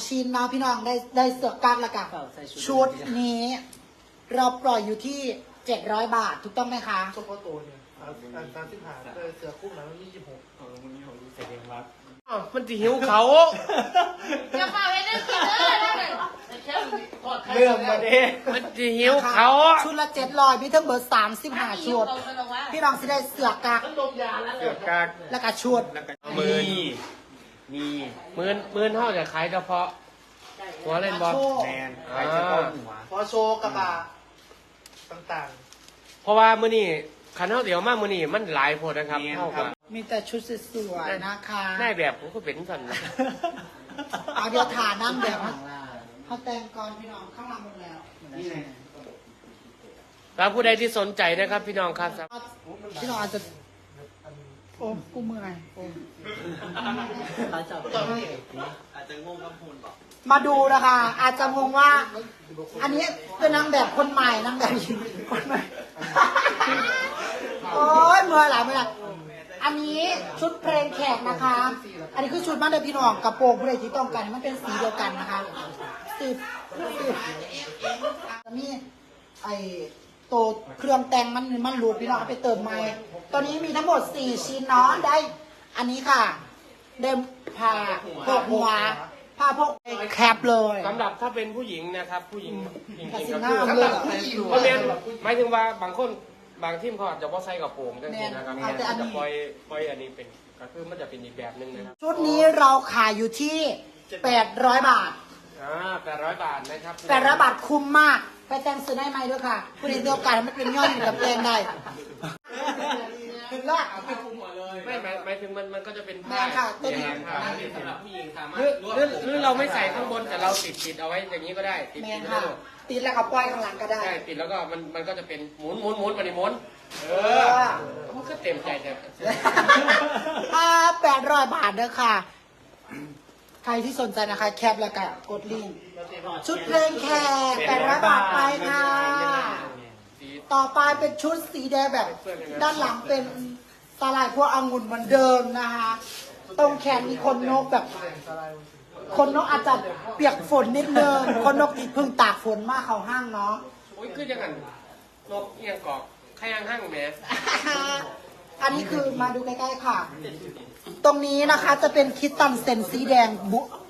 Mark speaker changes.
Speaker 1: ชิ้นนะพี่น้องได้เสือกกั๊กแล้วกันชุดนี้เราปล่อยอยู่ที่700 บาทถูกต้องไหมคะ
Speaker 2: เฉพาะตัวเนี่ย35เสือคุ้มแล้วมัน26
Speaker 3: มึงนี่ผมรู้สึกเองว่า
Speaker 4: มันจะหิวเขา
Speaker 5: จะมาให้ได้กินเลยนะเนี่ย
Speaker 3: เรื่องมาดิ
Speaker 4: มันจะหิวเขา
Speaker 1: ชุดละ700มีทั้งเบอร์35ชุดพี่น้องสิได้เสือกกั๊ก
Speaker 2: มันดมยาแล้ว
Speaker 4: เสือกกาก
Speaker 1: แล้วก็ชุด
Speaker 4: แล้วก็
Speaker 3: มื
Speaker 4: มื
Speaker 3: อ
Speaker 4: อ
Speaker 3: มี
Speaker 4: มือเท่าจะขายเฉพาะหัวเล่นบอล
Speaker 3: แมนใครจะป้อนหัว
Speaker 2: พอโชว์กระบะต่าง
Speaker 4: เพราะว่ามือนี่ขันเท่าเดียวมากมือนี่มันหลายโพดนะครับเท่ากับ
Speaker 1: มีแต่ชุดสวยๆนะคะ
Speaker 4: ได้แบบผมก็เป็นสันนะ
Speaker 1: เอาเดี๋ยวถ่านั่งแบบเขาแต่งก่อนพี่น้องข้างหลังหมดแล้ว
Speaker 4: แล้วผู้ใดที่สนใจนะครับพี่น้องครับ
Speaker 1: พี่น้องอาจจะโอ้กูเมื่อยโอ้
Speaker 3: อาจจะงงกับหุ่นบอก
Speaker 1: มาดูนะคะ อาจจะงงว่า อันนี้เป็นนางแบบคนใหม่นางแบบหญิงคนใหม่ โอ้ยเมื่อยหลายเมื่อยหลายอันนี้ชุดเพลงแขกนะคะ อันนี้คือชุดบ้านเด็กพี่น้องกระโปรงผู้ใดที่ต้องการมันเป็นสีเดียวกันนะคะสิบมีไอโตเครื่องแต่งมันรูดพี่น้องเอาไปเติมใหม่ตอนนี้มีทั้งหมด4 ชิ้นเนาะได้ อันนี้ค่ะเดิมผ้าพกหัวผ้าพกแคปเลย
Speaker 4: สำหรับถ้าเป็นผู้หญิงนะครับ ผู้หญิงจริง
Speaker 1: กระ
Speaker 4: ๆ
Speaker 1: สิ
Speaker 4: ก็
Speaker 1: น
Speaker 4: คือ
Speaker 1: น้ำเลยเหรอ
Speaker 4: เพราะแม่นหมายถึงว่าบางคนบางทีมเขาอาจจะว่าใส่กระโปรงจังซี่นะครับ
Speaker 1: เอาแต่อันนี้
Speaker 4: จะปล่อยอันนี้เป็นก็คือมันจะเป็นอีกแบบหนึงนะครับ
Speaker 1: ชุดนี้เราขายอยู่ที่800 บาท
Speaker 4: 800 บาทนะครับ
Speaker 1: 800 บาทคุ้มมาก ไปแต่งซื้อได้ไหมด้วยค่ะคุณเห็นเดียวกันมันเป็นย่อยอยู่กับแปลงได้ถึงละ
Speaker 4: ไม่หมายถึงมันก็จะเป็น
Speaker 1: แม่ค่ะตัวนี้
Speaker 3: สำหรับผู้หญิงสามารถ
Speaker 4: หรือเราไม่ใส่ข้างบนแต่เราติดเอาไว้อย่างนี้ก็ได้ติด
Speaker 1: แม่
Speaker 4: ไว้
Speaker 1: ค่ะ
Speaker 4: ด้วย
Speaker 1: ติดแล้วก็ปล่อยข้างหลังก็ได้
Speaker 4: ใช่ติดแล้วก็มันก็จะเป็นหมุนมาดิหมุนมันก็เต็มใจแต่
Speaker 1: 800 บาทเด้อค่ะ ใครที่สนใจนะคะ แคปแล้วก็กดลิงก์ชุดเพลงแขก800 บาทไปค่ะ ต่อไปเป็นชุดสีแดงแบบ ด้านหลังเป็นสลายพวกองุ่นเหมือนเดิมนะคะ ตรงแขนมีคนนกแบบ คนนกอาจจะเปียกฝนนิดนึง คนนกที่เพิ่งตากฝนมาเข้าห้างเนาะ
Speaker 4: โอ้ยคือยังไงนกเอียงกอกใครยังห้างแหม
Speaker 1: อันนี้คือมาดูใกล้ๆค่ะ ตรงนี้นะคะจะเป็นคิตตันเซนสีแดง